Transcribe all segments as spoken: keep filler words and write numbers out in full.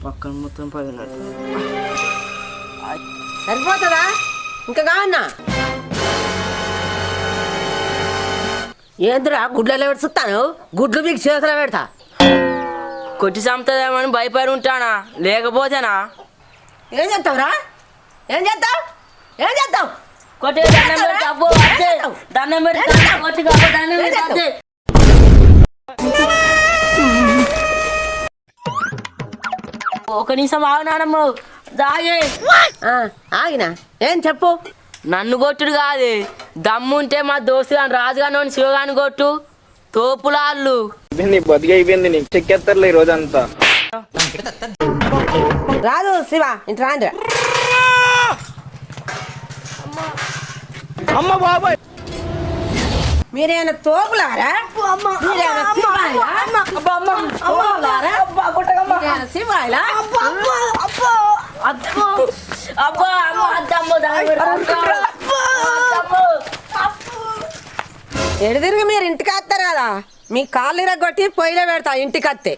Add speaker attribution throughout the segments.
Speaker 1: పక్కన మొత్తం పడినట్టు
Speaker 2: సరిపోతుందా ఇంకా కావన్నా ఏంద్రా గుడ్లలో పెడుతాను గుడ్లు మీకు చేతులు పెడతా
Speaker 1: కొట్టి చంపుతుందేమని భయపడి ఉంటానా లేకపోతేనా
Speaker 2: ఏం చేస్తావురా ఏం చేస్తావు ఏం చేస్తావు
Speaker 1: కొట్టే దండం పెట్టి అబ్బో అదే దండం పెట్టి కొట్టి అబ్బో దండం పెట్టి అదే ఒక నిమిషం ఆగినానమ్మ దాగే
Speaker 2: ఆగినా ఏం చెప్పు
Speaker 1: నన్ను కొట్టుడు కాదు దమ్ముంటే మా దోస్తు కానీ రాజుగాని శివగాని కొట్టు తోపులాళ్ళు
Speaker 3: బతికి అయిపోయింది నీకు చెక్కేస్తారులే ఈ రోజంతా
Speaker 2: రాదు శివ ఇంటి రాండి
Speaker 3: అమ్మ బాబాయ్
Speaker 2: మీరేమైనా తోపులారా మీరేమైనా శివాయిలా? తోపులారా? మీరేమైనా శివాయిలా?
Speaker 1: అబ్బో అబ్బో అమ్మో అద్దమ్మో
Speaker 2: ఎడు తిరిగి మీరు ఇంటికి వస్తారు కదా మీ కాళ్ళు ఇరగొట్టి పొయ్యిలో పెడతా ఇంటికి వస్తే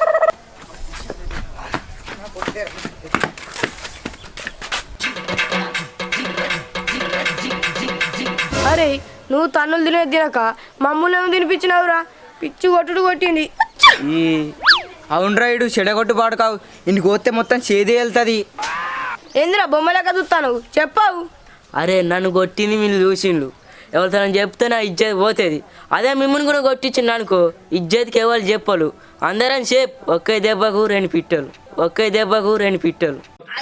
Speaker 4: అరే నువ్వు తన్నులు తినేది తినక మమ్మల్ని ఏమో తినిపించినావురా పిచ్చి కొట్టుడు కొట్టింది
Speaker 5: ఈ అవును రైడు చెడగొట్టు పాడుకావు ఇంటికి పోతే మొత్తం చేదే వెళ్తుంది
Speaker 4: ఏందిరా బొమ్మలెక్క చూస్తాను చెప్పావు
Speaker 1: అరే నన్ను కొట్టింది మీరు చూసిండు ఎవరితో చెప్తే నా ఇజ్జత్ పోతుంది అదే మిమ్మల్ని కూడా కొట్టించిండు అనుకో ఇజ్జత్కి ఎవరు చెప్పలు అందరం సేపు ఒకే దెబ్బకు రెండు పిట్టలు ఒకే దెబ్బకు రెండు పిట్టలు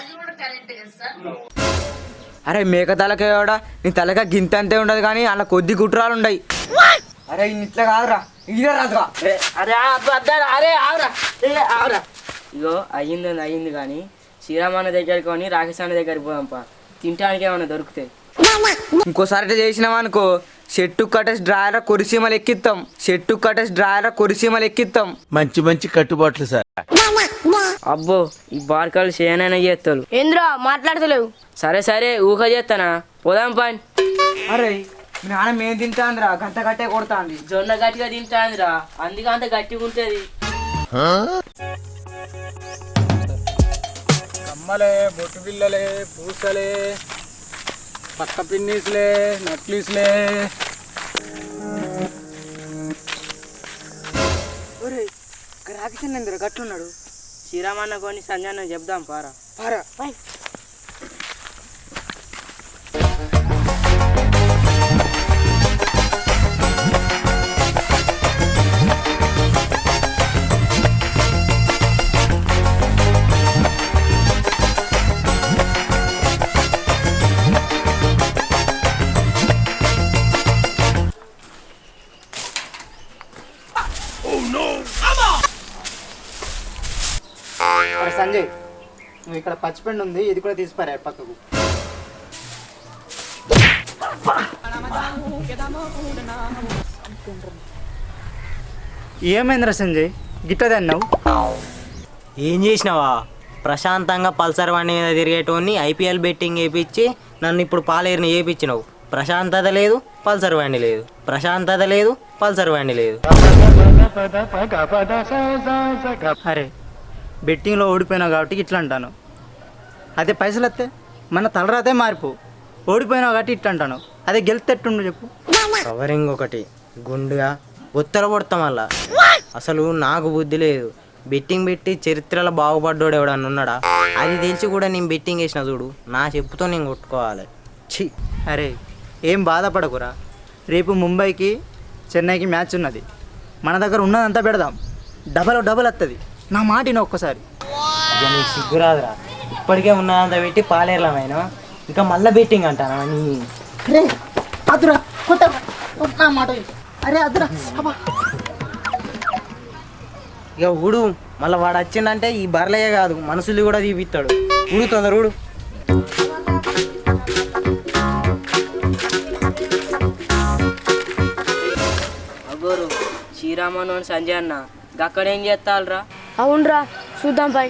Speaker 5: అరే మేక తలకేవాడా నీ తలక గింత అంతే ఉండదు కానీ అలా కొద్ది గుట్రాలు ఉండయి అరే ఇట్లా కాదురా ఇదే రాదురా
Speaker 1: అరే అరే ఆవురా ఆవురా ఇగో అయ్యింది అయ్యింది కానీ శ్రీరామన్న దగ్గరికి కొని రాకేష్ అన్న దగ్గరికి పోదాంపా తినడానికి ఏమైనా దొరుకుతాయి
Speaker 5: ఇంకోసారి ఇట్లా చేసినావా అనుకో చెట్టు కట్టేసి డ్రాయర్ కొరిసీమలు ఎక్కిస్తాం చెట్టు కట్టేసి డ్రాయర్ కొరిసీమలు ఎక్కిస్తాం
Speaker 6: మంచి మంచి కట్టుబాట్లు సార్
Speaker 1: అబ్బో ఈ బార్కాలు చేయనైనా చేస్తాడు
Speaker 4: ఏంద్రా మాట్లాడతలేవు
Speaker 1: సరే సరే ఊహ చేస్తానా పోదాం పని
Speaker 5: అరే మీ నాన్న మేము తింటాందిరా గంట కట్టే కొడతాంది
Speaker 1: జొన్న గట్టిగా తింటాందిరా అందుకే అంత గట్టిగా ఉంటుంది
Speaker 3: కమ్మలే బొట్టు పిల్లలే పూసలే పక్క పిన్నీసులే నక్లీస్లే
Speaker 5: రాకింద్ర గట్లున్నాడు
Speaker 1: శ్రీరామన్న కొని సంజయ్ చెప్దాం పారా
Speaker 5: పారా
Speaker 3: సంజయ్ నువ్వు ఇక్కడ పచ్చిపెండు ఉంది ఇది కూడా తీసిపారా పక్కకు ఏమైందిరా సంజయ్ గిట్టది అన్నావు
Speaker 7: ఏం చేసినావా ప్రశాంతంగా పల్సర్ బండి మీద తిరిగేటోని ఐపీఎల్ బెట్టింగ్ వేయించి నన్ను ఇప్పుడు పాలేరుని వేయించినావు ప్రశాంతత లేదు పల్సర్ బండి లేదు ప్రశాంతత లేదు పల్సర్ బండి లేదు
Speaker 3: అరే బెట్టింగ్లో ఓడిపోయినావు కాబట్టి ఇట్లా అంటాను అదే పైసలు వస్తే మన తలరాతే మారిపో ఓడిపోయినావు కాబట్టి ఇట్లా అంటాను అదే గెలితేట్టుండు చెప్పు
Speaker 7: కవరింగ్ ఒకటి గుండుగా ఉత్తర కొడతాం వల్ల అసలు నాకు బుద్ధి లేదు బెట్టింగ్ పెట్టి చరిత్రలో బాగుపడ్డాడు ఎవడన్నా ఉన్నాడా అది తెలిసి కూడా నేను బెట్టింగ్ వేసిన చూడు నా చెప్పుతో నేను కొట్టుకోవాలి
Speaker 3: ఛీ అరే ఏం బాధపడకురా రేపు ముంబైకి చెన్నైకి మ్యాచ్ ఉన్నది మన దగ్గర ఉన్నదంతా పెడదాం డబల్ డబల్ వస్తుంది నా మాటిన ఒక్కసారి
Speaker 7: ఇక నీకు సిగ్గురాదురా ఇప్పటికే ఉన్నదంతా పెట్టి పాలేర్లమైన ఇంకా మళ్ళీ బెట్టింగ్ అంటానా నీ
Speaker 3: అరే అదురా కొత్త నా మాట అరే అదురా
Speaker 7: ఇక ఊడు మళ్ళీ వాడు వచ్చిందంటే ఈ బర్లయ్యే కాదు మనుషులు కూడా తీపిస్తాడు ఊడు తొందర ఊడు
Speaker 1: అగోరు శ్రీరామన్న సంజయ్ అన్న అక్కడ ఏం చేస్తారా
Speaker 4: అవునరా చూద్దాం పై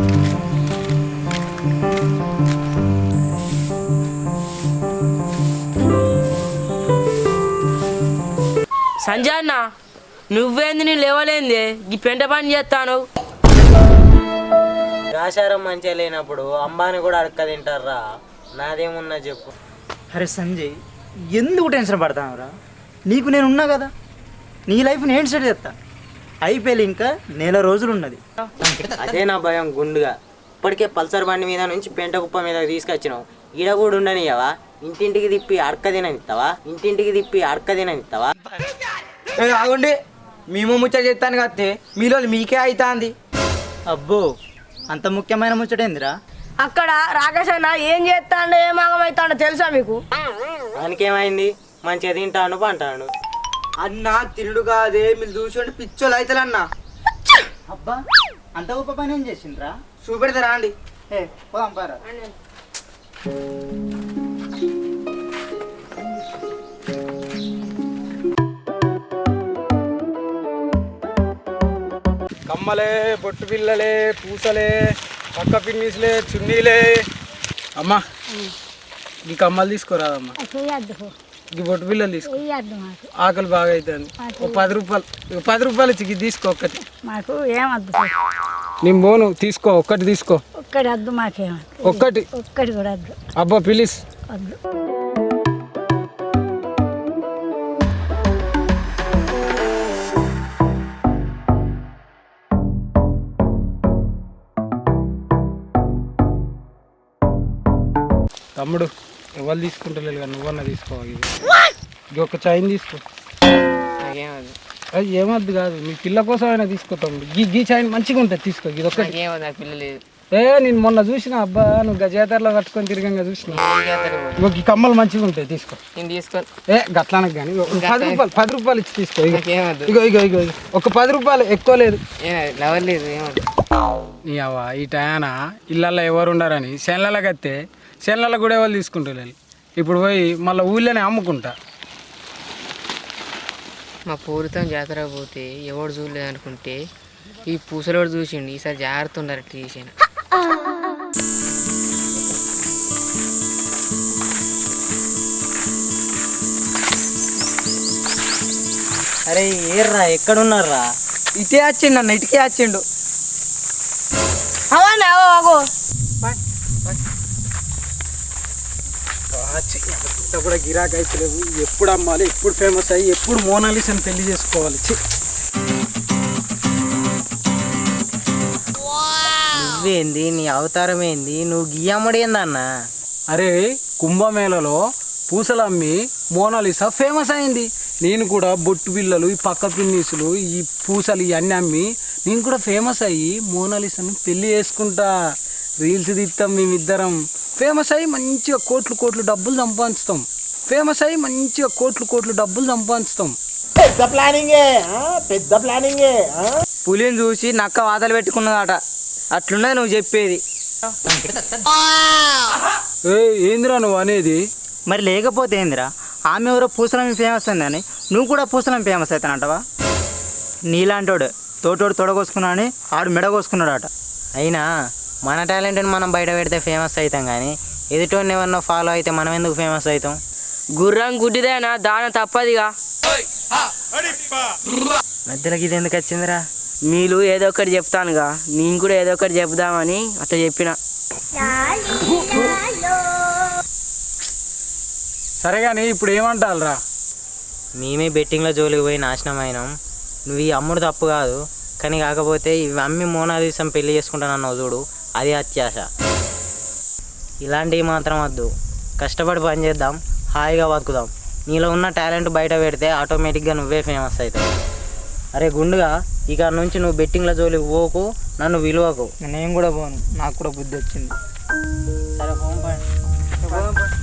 Speaker 1: సంజయ్ అన్న నువ్వేంది నేను లేవలేంది ఈ పెంట పని చేస్తాను
Speaker 7: ఆచారం మంచిగా లేనప్పుడు అంబాని కూడా అడక్క తింటారా? నాదేమున్నా చెప్పు.
Speaker 3: అరే సంజయ్, ఎందుకు టెన్షన్ పడతావురా? నీకు నేను ఉన్నా కదా, నీ లైఫ్ నేను సెట్ చేస్తా. ఐపీఎల్ ఇంకా నెల రోజులు ఉన్నది.
Speaker 7: అదే నా భయం గుండుగా. ఇప్పటికే పల్సర్ బండి మీద నుంచి పెంట కుప్ప మీద తీసుకొచ్చినావు. ఈడ కూడా ఉండనియవా? ఇంటింటికి తిప్పి అడక తిననిస్తావా? ఇంటింటికి తిప్పి అడక తిననిస్తావా?
Speaker 5: ఏ, ఆగండి. మేము ముచ్చట చెప్తాను కత్తే మీలో మీకే అవుతుంది.
Speaker 3: అబ్బో, అంత ముఖ్యమైన ముచ్చటేందిరా?
Speaker 4: అక్కడ రాకేష్ అన్న ఏం చేస్తాడో ఏం ఆగమవుతాడో తెలుసా మీకు?
Speaker 7: దానికేమైంది? మంచిగా తింటాను పంటాను.
Speaker 5: అన్న తినుడు కాదే, మీరు చూసుకుంటే పిచ్చోళ్ళు అవుతారు అన్న.
Speaker 3: అబ్బా, అంత గొప్ప పని ఏం చేసిండ్రా?
Speaker 5: చూపెడతారా అండి?
Speaker 3: ఏ పోదాం పారా.
Speaker 8: కమ్మలే, బొట్టు పిల్లలే, పూసలే, పక్క పిన్నీసులే, చున్నీలే. అమ్మా ఈ కమ్మలు తీసుకోరాదమ్మా, ఈ బొట్టు పిల్లలు తీసుకో. ఆకలి బాగా అవుతుంది. ఒక పది రూపాయలు ఇక పది రూపాయలు ఇచ్చి ఇది తీసుకో ఒక్కటి.
Speaker 9: మాకు ఏమద్దు,
Speaker 8: నేను పోను, తీసుకో ఒక్కటి తీసుకో.
Speaker 9: ఒక్కటి వద్దు, మాకేమద్దు,
Speaker 8: ఒక్కటి
Speaker 9: ఒక్కటి కూడా వద్దు,
Speaker 8: అబ్బా ప్లీజ్.
Speaker 9: వద్దు.
Speaker 8: తమ్ముడు ఎవరు తీసుకుంటలేదు కానీ నువ్వన్నా తీసుకోవాలి. ఇది ఒక చైన్ తీసుకో. అది ఏమద్దు కాదు, మీ పిల్ల కోసం అయినా తీసుకో తమ్ముడు. గీ గీ చైన్ మంచిగా ఉంటుంది, తీసుకో. ఇది ఒకటి. ఏ నేను మొన్న చూసిన, అబ్బా నువ్వు గజాతరలో కట్టుకొని తిరిగంగా చూసిన. ఇగో ఈ కమ్మలు మంచిగా ఉంటాయి, తీసుకో. ఏ గట్లానకు కానీ పది రూపాయలు పది రూపాయలు ఇచ్చి తీసుకో. ఇగో ఇగో ఇగో ఇగో ఒక పది రూపాయలు, ఎక్కువ లేదు. నీ అవ్వ ఈ టయాన ఇళ్ళల్లో ఎవరు ఉండారని శనలకు వస్తే శనలలో కూడా ఎవరు తీసుకుంటారు. ఇప్పుడు పోయి మళ్ళీ ఊళ్ళోనే అమ్ముకుంటా.
Speaker 10: మా పూరితం జాతర పోతే ఎవడు చూడలేదు అనుకుంటే ఈ పూసలోడు చూసిండు. ఈసారి జాగ్రత్త ఉండాలి తీసిన.
Speaker 7: అరే ఏర్రా, ఎక్కడున్నారా?
Speaker 5: ఇటే వచ్చిండు అన్న, ఇటుకే వచ్చిండు.
Speaker 4: అవన్నా అగో
Speaker 8: కూడా గిరాకీ అయితే లేవు. ఎప్పుడు అమ్మాలి, ఎప్పుడు ఫేమస్ అయ్యి, ఎప్పుడు మోనాలిసాని పెళ్లి చేసుకోవాలి.
Speaker 7: నువ్వేంది, నీ అవతారం ఏంది, నువ్వు గియ్యమ్మడి ఏందన్న?
Speaker 8: అరే కుంభమేళలో పూసలు అమ్మి మోనాలిసా ఫేమస్ అయింది. నేను కూడా బొట్టు బిళ్ళలు, ఈ పక్క పిన్నీసులు, ఈ పూసలు ఇవన్నీ అమ్మి నేను కూడా ఫేమస్ అయ్యి మోనాలిసాని పెళ్లి చేసుకుంటా. రీల్స్ తీస్తాం మేమిద్దరం. ఫేమస్ అయ్యి మంచిగా కోట్లు కోట్లు డబ్బులు సంపాదిస్తాం. ఫేమస్ అయ్యి మంచిగా కోట్లు కోట్లు డబ్బులు సంపాదిస్తాం.
Speaker 6: పెద్ద ప్లానింగే, పెద్ద ప్లానింగే.
Speaker 5: పులిని చూసి నక్క వాతలు పెట్టుకున్నదట. అట్లున్నది నువ్వు చెప్పేది.
Speaker 8: ఏ ఏందిరా నువ్వు అనేది?
Speaker 3: మరి లేకపోతే ఏందిరా? ఆమె ఎవరో పూసలం ఫేమస్ అయిందని నువ్వు కూడా పూసలం ఫేమస్ అవుతానంటవా? నీలాంటోడు తోటోడు తొడగోసుకున్నా అని ఆడు మెడగోసుకున్నాడట.
Speaker 7: అయినా మన టాలెంట్ని మనం బయట పెడితే ఫేమస్ అవుతాం, కానీ ఎదుటోని ఎవరినో ఫాలో అయితే మనం ఎందుకు ఫేమస్ అవుతాం?
Speaker 1: గుర్రం గుడ్డిదేనా దాన తప్పదిగా.
Speaker 7: మధ్యలోకి ఇది ఎందుకు వచ్చిందిరా?
Speaker 1: మీరు ఏదో ఒకటి చెప్తానుగా, నేను కూడా ఏదో ఒకటి చెప్దామని అట్లా చెప్పిన.
Speaker 8: సరే కానీ ఇప్పుడు ఏమంటారా?
Speaker 7: మేమే బెట్టింగ్లో జోలికి పోయి నాశనం అయినాం. నువ్వు ఈ అమ్ముడు తప్పు కాదు, కానీ కాకపోతే ఇవి అమ్మి మోనాలిసం పెళ్లి చేసుకుంటానన్నావు చూడు, అది అత్యాశ. ఇలాంటివి మాత్రం వద్దు. కష్టపడి పని చేద్దాం, హాయిగా బతుకుదాం. నీలో ఉన్న టాలెంట్ బయట పెడితే ఆటోమేటిక్గా నువ్వే ఫేమస్ అవుతావు. అరే గుండుగా, ఇక నుంచి నువ్వు బెట్టింగ్ల జోలికి పోకు, నన్ను విలువకు.
Speaker 3: నేను కూడా పోను, నాకు కూడా బుద్ధి వచ్చింది.
Speaker 7: సరే ఫోన్ పని.